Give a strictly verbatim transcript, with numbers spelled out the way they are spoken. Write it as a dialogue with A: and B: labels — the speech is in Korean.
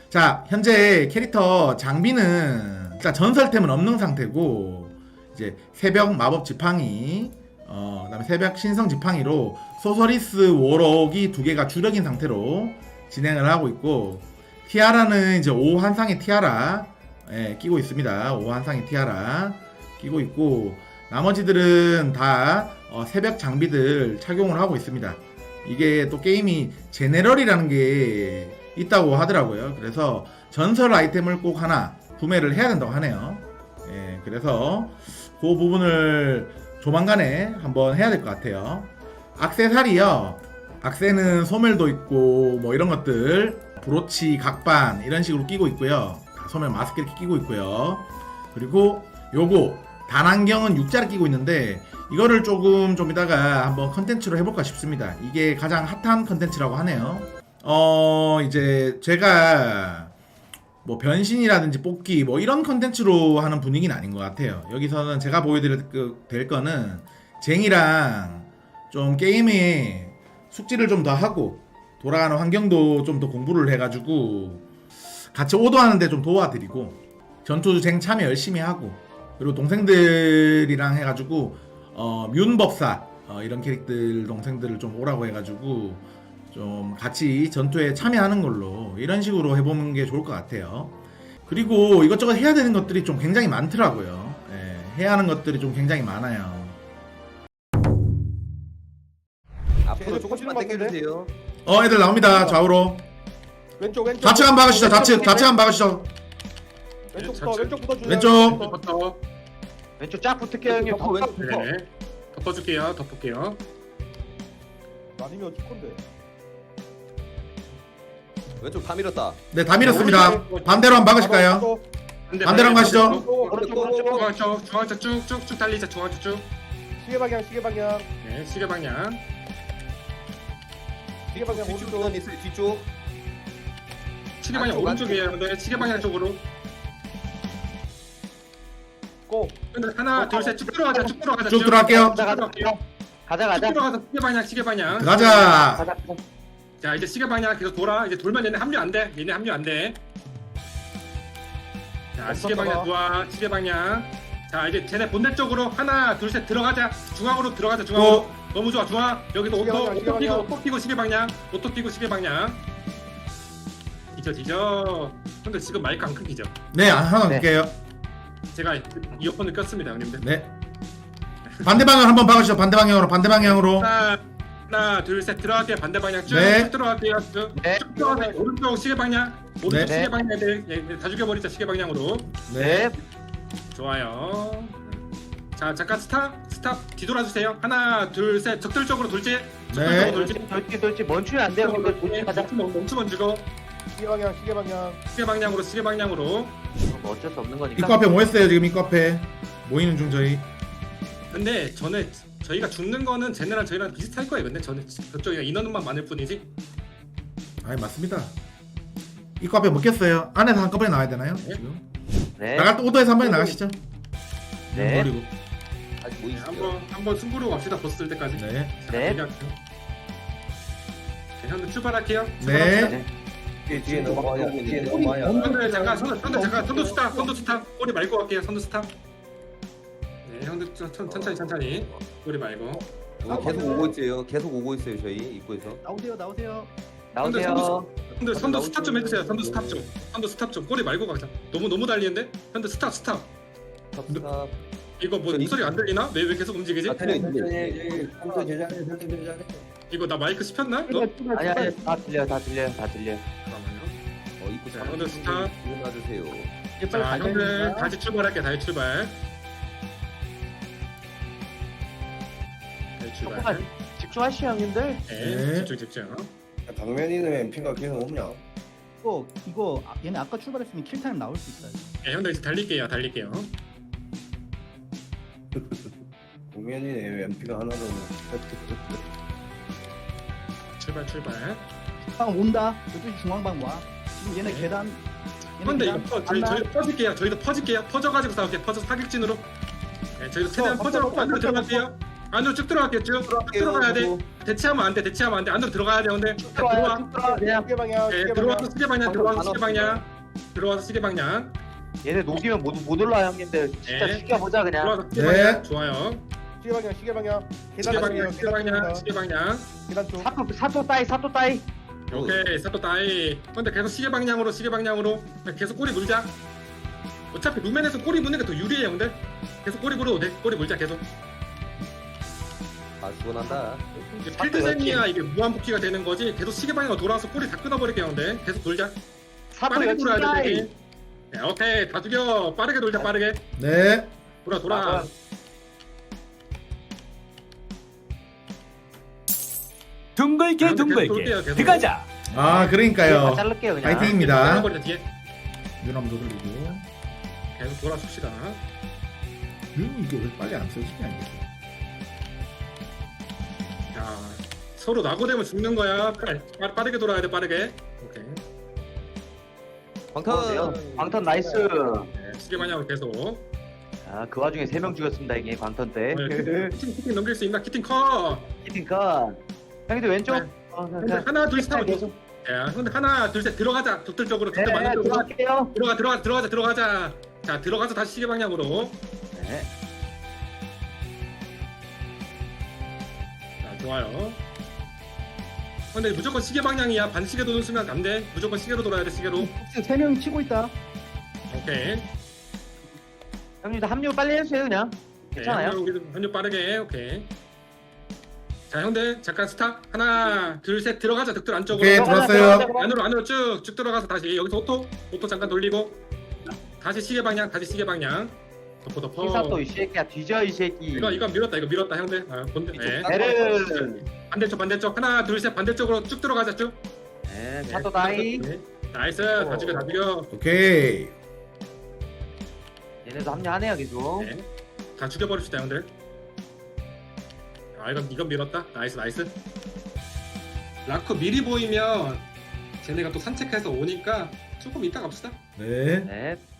A: 자, 현재 캐릭터 장비는 일단 전설템은 없는 상태고, 이제 새벽 마법 지팡이, 어, 그다음에 새벽 신성 지팡이로 소서리스 워럭이 두 개가 주력인 상태로 진행을 하고 있고, 티아라는 이제 오 한상의 티아라 예, 끼고 있습니다. 오 한상의 티아라 끼고 있고, 나머지들은 다 어, 새벽 장비들 착용을 하고 있습니다. 이게 또 게임이 제네럴이라는 게 있다고 하더라고요. 그래서 전설 아이템을 꼭 하나 구매를 해야 된다고 하네요. 예, 그래서 그 부분을 조만간에 한번 해야 될 것 같아요. 액세서리요. 액세는 소멸도 있고 뭐 이런 것들, 브로치, 각반 이런 식으로 끼고 있고요. 소멸 마스크 이렇게 끼고 있고요. 그리고 요거 단안경은 육자를 끼고 있는데, 이거를 조금 좀 이따가 한번 컨텐츠로 해볼까 싶습니다. 이게 가장 핫한 컨텐츠라고 하네요. 어 이제 제가 뭐 변신이라든지 뽑기 뭐 이런 컨텐츠로 하는 분위기는 아닌 것 같아요. 여기서는 제가 보여드릴 그, 될 거는 쟁이랑 좀 게임에 숙지를 좀 더 하고, 돌아가는 환경도 좀 더 공부를 해가지고 같이 오더하는데 좀 도와드리고, 전투 쟁 참여 열심히 하고, 그리고 동생들이랑 해가지고 어 뮨법사 어, 이런 캐릭들 동생들을 좀 오라고 해가지고 좀 같이 전투에 참여하는 걸로, 이런 식으로 해보는 게 좋을 것 같아요. 그리고 이것저것 해야 되는 것들이 좀 굉장히 많더라고요. 예, 해야 하는 것들이 좀 굉장히 많아요.
B: 앞으로 조금씩만 당겨주세요.
A: 어 애들 나옵니다. 좌우로
C: 왼쪽 왼쪽
A: 좌측 한번 박으시죠. 좌측 좌측 한번 박으시죠.
C: 왼쪽부터 왼쪽부터 주세요.
A: 왼쪽.
D: 덮어.
B: 왼쪽 쫙 붙을게요 형님.
C: 덮어, 왼쪽 붙어.
D: 네. 덮어줄게요. 덮을게요.
C: 아니면 축건데.
B: 왼쪽 다 밀었다.
A: 네, 다 밀었습니다. 반대로 한번 박으실까요? 반대로 한번 가시죠.
C: 오른쪽 오른쪽.
D: 중앙쪽 중앙쪽 쭉쭉쭉 달리자. 중앙쪽 쭉.
C: 시계 방향 시계 방향
D: 네, 시계 방향.
C: 시계 방향
B: 뒤쪽
C: 오른쪽.
B: 구간 있어요. 뒤쪽.
D: 시계 방향
B: 안쪽,
D: 오른쪽이에요. 근데 시계 방향 쪽으로.
C: 고.
D: 근데 하나, 둘, 셋 쭉 들어가자. 쭉 들어가자.
A: 쭉 들어갈게요.
D: 쭉 들어갈게요.
B: 가자
D: 쭉
B: 가자.
D: 들어가서 시계 방향, 시계 방향.
A: 가자.
B: 가자.
D: 자, 이제 시계 방향 계속 돌아. 이제 돌면 얘네 합류 안 돼. 얘네 합류 안 돼. 자, 시계 방향 좋아. 시계 방향. 자, 이제 쟤네 본대 쪽으로 하나, 둘, 셋 들어가자. 중앙으로 들어가자. 중앙으로. 너무 좋아, 좋아. 여기도
C: 시계
D: 오토,
C: 방향, 시계
D: 오토 끼고,
C: 방향.
D: 오토 끼고 시계 방향. 오토 끼고 시계 방향. 뒤져, 뒤져. 근데 지금 마이크 안 끊기죠?
A: 네, 하나
B: 네.
A: 넣을게요.
D: 제가 이어폰을 꼈습니다, 형님들.
A: 네. 반대 방향 한번 박으시죠. 반대 방향으로, 반대 방향으로.
D: 하나, 하나, 둘, 셋 들어갈게요. 반대 방향 쭉,
A: 네.
D: 쭉 들어갈게요. 쭉,
B: 네.
D: 쭉 들어가세요. 오른쪽 시계 방향. 오른쪽
A: 네.
D: 시계 방향 애들 예, 다 죽여버리자. 시계 방향으로.
B: 네.
D: 좋아요. 자, 잠깐 스탑, 스탑 뒤돌아주세요. 하나, 둘, 셋. 적들 쪽으로 돌지. 적들
A: 네.
D: 쪽으로 돌지.
B: 돌지 돌지 멈추면 안 돼요. 근데 돌지 가자.
D: 멈추면 멈추면 주고
C: 시계 방향 시계 방향.
D: 시계 방향으로 시계 방향으로.
B: 뭐 어쩔 수 없는 거니까.
A: 입구 앞에 모였어요. 지금 입구 앞에 모이는 중 저희.
D: 근데 전에 저희가 죽는 거는 쟤네랑 저희랑 비슷할 거예요. 근데 저는 저쪽이 인원만 많을 뿐이지.
A: 아, 맞습니다. 입구 앞에 먹겠어요. 안에서 한꺼번에 나와야 되나요?
D: 네.
A: 지금
B: 네.
A: 나갈 때 오더에서 한 번에 나가시죠.
B: 네.
A: 버리고.
B: 아직 뭐
D: 네,
B: 있어요.
D: 한번 한번 승부로 갑시다. 버스 뜰 때까지.
A: 네.
D: 자,
B: 네.
D: 대기할게요. 네, 형들 출발할게요.
A: 네.
D: 출발합시다.
B: 네.
E: 뒤에 넘어가야 뒤에 넘어가야
D: 형들 잠깐 선두 선두 잠깐 선두 스탑 선두 스탑 꼬리 말고 갈게요. 선두 스탑. 네, 형들 천, 천, 천천히 천천히 꼬리 말고.
B: 어, 계속 오고 있어요. 계속 오고 있어요. 저희 입구에서.
C: 나오세요 나오세요.
B: 나오세요.
D: 형들 선두 스탑 좀 해주세요. 선두 스탑 좀. 선두 스탑 좀 꼬리 말고 가자. 너무 너무 달리는데. 형들 스탑 스탑.
B: 스탑.
D: 이거 뭐 목소리 안 들리나? 왜 왜 계속 움직이지?
B: 아, 들려 있네.
E: 컴퓨터 제자리 설정 제자리
D: 이거 나 마이크 씹혔나? 너?
B: 아니 아니 다 들려 다 들려 다 들려.
D: 잠깐만요.
B: 어 입구
D: 자,
B: 잘.
D: 오늘 스탑.
B: 일어나주세요.
D: 자, 형들 다시 출발할게. 다시 출발. 다시 출발.
B: 조금만 집중하시오 형님들.
D: 네,
A: 네.
D: 집중 집중.
E: 당면이는 엠피가 계속 없냐
F: 이거 이거 아- 얘네 아까 출발했으면 킬타임 나올 수 있어요.
D: 네, 형들 이제 달릴게요. 달릴게요.
E: 당면이는 엠피가 하나도
D: 출발 출발.
F: 방 온다. 이쪽 중앙방 와. 지금 얘네
D: 네.
F: 계단. 얘네
D: 근데 이거
F: 계단
D: 퍼, 저희
F: 간다.
D: 저희도 퍼질게요. 저희도 퍼질게요. 퍼져가지고 싸울게요. 퍼져 사격진으로. 네, 저희도 최대한
C: 어,
D: 퍼져갖고
C: 어,
D: 안으로
C: 어,
D: 들어갈게요. 안으로 쭉 들어갈게요. 쭉, 쭉 들어가야 돼. 대치하면 안 돼. 대치하면 안 돼. 안으로 들어가야 돼. 근데 들어와.
C: 들어와 그냥 시계 방향
D: 예,
C: 시계 방향
D: 들어와서 시계 방향. 들어와서
B: 방금
D: 시계 방향. 들어와서 시계 방향.
G: 얘네 녹이면 못, 못 올라 형님들. 진짜
D: 네.
G: 죽여보자 그냥.
D: 들어와서 시계
A: 네.
D: 방향. 좋아요.
C: 시계 방향 시계 방향
D: 시계
C: 계단
D: 방향.
C: 쪽이에요,
D: 시계 방향.
C: 계단
D: 시계 방향.
C: 쪽입니다. 계단 쪽
G: 사토 사토 따이 사토 따이.
D: 오케이. 사또 따이. 근데 계속 시계 방향으로 시계 방향으로 계속 꼬리 물자. 어차피 루멘에서 꼬리 무는 게 더 유리해요. 근데 계속 꼬리 물어도 돼. 꼬리 물자 계속.
B: 아 죽어난다.
D: 이제 필드셈이야 이게 무한 복귀가 되는 거지. 계속 시계 방향으로 돌아와서 꼬리 다 끊어버릴게요. 근데 계속 돌자.
G: 사토
D: 빠르게
G: 여친
D: 돌아야 돼.
G: 따이.
D: 되게. 네, 오케이 다 죽여. 빠르게 돌자 빠르게.
A: 네.
D: 돌아 돌아.
G: 아,
H: 둥글게
D: 아, 근데 계속 돌게요,
H: 둥글게
D: 계속.
H: 들어가자.
A: 아
G: 다
A: 그러니까요.
G: 자를게요 그냥.
A: 파이팅입니다.
D: 끊어버리자 뒤에.
A: 유람도 돌리고.
D: 계속 돌아줍시다.
A: 음, 이게 왜 빨리 안 써지냐 이게.
D: 자 서로 낙오되면 죽는 거야. 빨리 빠- 빠르게 돌아야 돼 빠르게. 오케이.
B: 광탄.
G: 광턴 나이스.
D: 네, 시계 방향으로 계속.
G: 아그 와중에 세 명 죽였습니다 이게 광턴 때.
D: 어, 키팅 키팅 넘길 수 있나? 키팅 컷.
G: 히팅 컷. 형님들 왼쪽.
D: 네.
G: 어, 자,
D: 근데
G: 자.
D: 하나 둘셋 하면
G: 계속.
D: 야, 근데 하나 둘 셋 들어가자. 독들적으로
G: 네,
D: 독들 많은 쪽으로
G: 들어갈게요.
D: 들어가 들어가 들어가자 들어가자. 자 들어가서 다시 시계 방향으로.
G: 네.
D: 자 좋아요. 근데 무조건 시계 방향이야. 반시계 도는 순간 안 돼. 무조건 시계로 돌아야 돼 시계로.
F: 혹시 세 명이 치고 있다.
D: 오케이.
G: 형님들 합류 빨리 해주세요 그냥. 괜찮아요.
D: 네, 한쪽, 한쪽 빠르게 오케이. 자 형들 잠깐 스탑. 하나 둘 셋 들어가자. 득들 안쪽으로.
A: 오케이, 들어왔어요.
D: 안으로 안으로 쭉쭉 들어가서 다시 여기서 오토 오토 잠깐 돌리고 다시 시계 방향 다시 시계 방향 덮어 덮어.
G: 히사토 이 새끼야 뒤져 이 새끼.
D: 이거 이거 밀었다 이거 밀었다 형들. 아, 본대. 네.
G: 베르.
D: 반대쪽 반대쪽 하나 둘 셋 반대쪽으로 쭉 들어가자 쭉.
G: 네,
D: 네,
G: 사토 다이.
D: 네. 나이스 다 죽여 다 죽여.
A: 오케이.
G: 얘네도 합류하네요 계속.
D: 네. 다 죽여버립시다 형들. 아 이건 이건 밀었다. 나이스 나이스. 라커 미리 보이면 쟤네가 또 산책해서 오니까 조금 이따 갑시다.
A: 네.
G: 네.